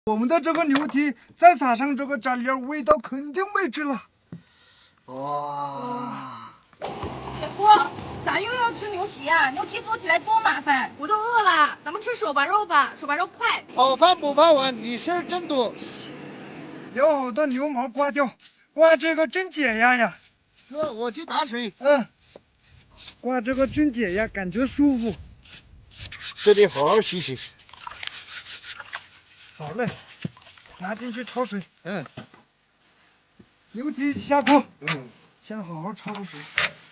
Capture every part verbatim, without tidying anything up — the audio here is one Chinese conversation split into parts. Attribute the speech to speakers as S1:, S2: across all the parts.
S1: 我们的这个牛蹄再撒上这个蘸料，味道肯定没治了。哇！
S2: 铁锅，咋又要吃牛蹄呀、啊？牛蹄做起来多麻烦，我都饿了。咱们吃手把肉吧，手把肉快。
S3: 好饭不怕晚，你事儿真多。
S1: 要好的牛毛刮掉，刮这个真解压呀。
S3: 哥，我去打水。
S1: 嗯，刮这个真解压，感觉舒服。
S3: 这得好好洗洗。
S1: 好嘞，拿进去焯水。
S3: 嗯。
S1: 牛蹄下锅。
S3: 嗯。
S1: 先好好焯水。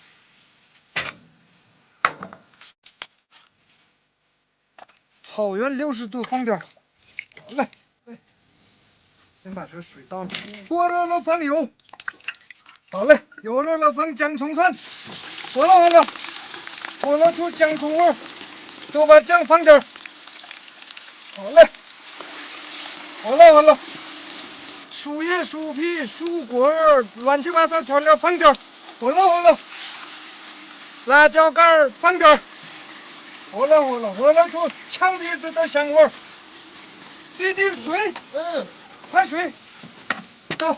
S1: 草原六十度放点儿。好嘞。先把这水倒了，锅热了放油。好嘞，油热了放姜葱蒜，火了火了，火了出姜葱味儿，都把酱放点儿。好嘞，好了好了，薯叶、薯皮、薯果儿，乱七八糟调料放点儿。火了火了，辣椒干儿放点儿。火了火了，火了出呛鼻子的香味儿。滴滴水，
S3: 嗯，
S1: 快水，倒。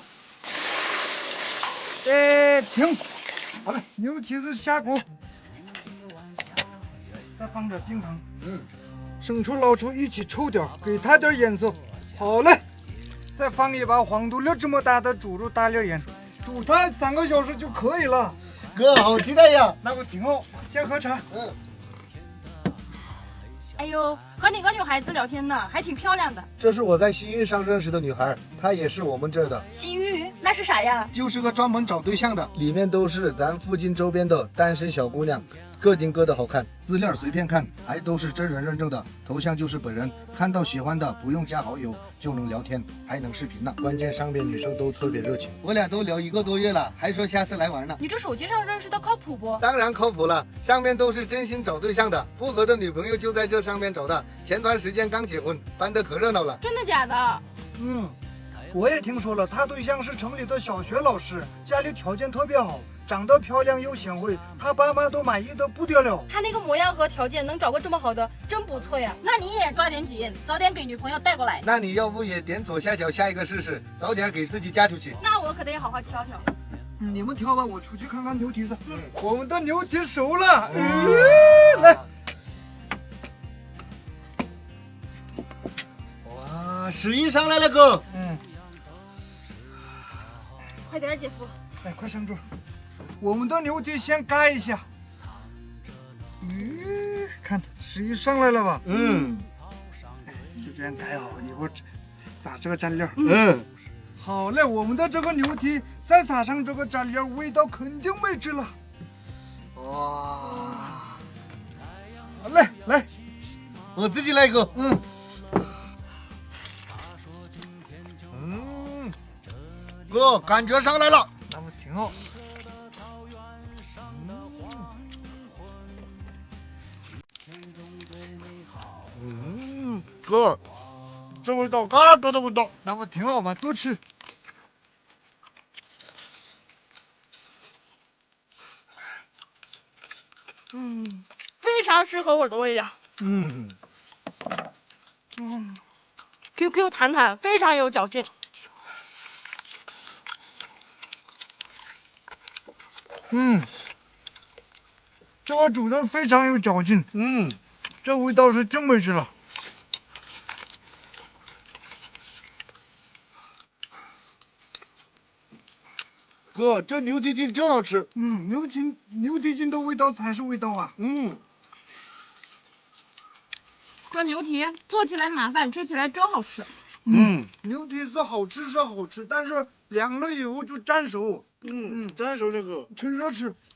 S1: 哎，停！好了，牛蹄子下锅，再放点冰糖，
S3: 嗯，
S1: 生抽、老抽一起抽点，给它点颜色。好嘞，再放一把黄豆粒这么大的猪肉大粒盐，煮它三个小时就可以了。
S3: 哥，好期待呀！
S1: 那我挺好，先喝茶。
S3: 嗯。
S2: 哎呦，和哪个女孩子聊天呢？还挺漂亮的。
S3: 这是我在西域上认识的女孩，她也是我们这儿的。
S2: 西域那是啥呀？
S3: 就是个专门找对象的，里面都是咱附近周边的单身小姑娘，各顶各的好看，资料随便看，还都是真人认证的，头像就是本人，看到喜欢的不用加好友就能聊天，还能视频呢。关键上边女生都特别热情，我俩都聊一个多月了，还说下次来玩呢。
S2: 你这手机上认识的靠谱不？
S3: 当然靠谱了，上面都是真心找对象的，不合的女朋友就在这上面找的。前段时间刚结婚，办得可热闹了。
S2: 真的假的？
S1: 嗯，我也听说了，他对象是城里的小学老师，家里条件特别好，长得漂亮又贤惠，他爸妈都满意的不得了。
S2: 他那个模样和条件能找个这么好的，真不错呀。那你也抓点紧，早点给女朋友带过来。
S3: 那你要不也点左下角下一个试试，早点给自己嫁出去。
S2: 那我可得好好挑挑。
S1: 嗯、你们挑吧，我出去看看牛蹄子。嗯，我们的牛蹄熟了，嗯、来。
S3: 哇，十一上来了，哥。
S1: 嗯，
S2: 快点，姐夫。
S1: 来，快上桌。我们的牛蹄先盖一下。嗯，看十一上来了吧？
S3: 嗯，
S1: 就这样盖好，一会儿撒这个蘸料。
S3: 嗯，
S1: 好嘞，我们的这个牛蹄再撒上这个蘸料，味道肯定没治了。
S3: 哇，
S1: 好嘞，来，
S3: 我自己来一个。
S1: 嗯。
S3: 嗯，哥，感觉上来了。
S1: 那么挺好。
S3: 嗯，哥，这味道嘎多的味道，
S1: 那不挺好吗？多吃。
S2: 嗯，非常适合我的味道。
S3: 嗯
S2: 嗯 ，Q Q 弹弹，非常有嚼劲。
S1: 嗯，这个煮的非常有嚼劲。
S3: 嗯，
S1: 这味道是真没治了。
S3: 哥，这牛蹄筋真好吃。
S1: 嗯，牛筋牛蹄筋的味道才是味道啊。
S3: 嗯，
S2: 这牛蹄做起来麻烦，吃起来真好吃。
S3: 嗯，
S1: 牛蹄子好吃是好吃，但是凉了以后就粘手。
S3: 嗯嗯，再说这个，
S1: 趁热吃。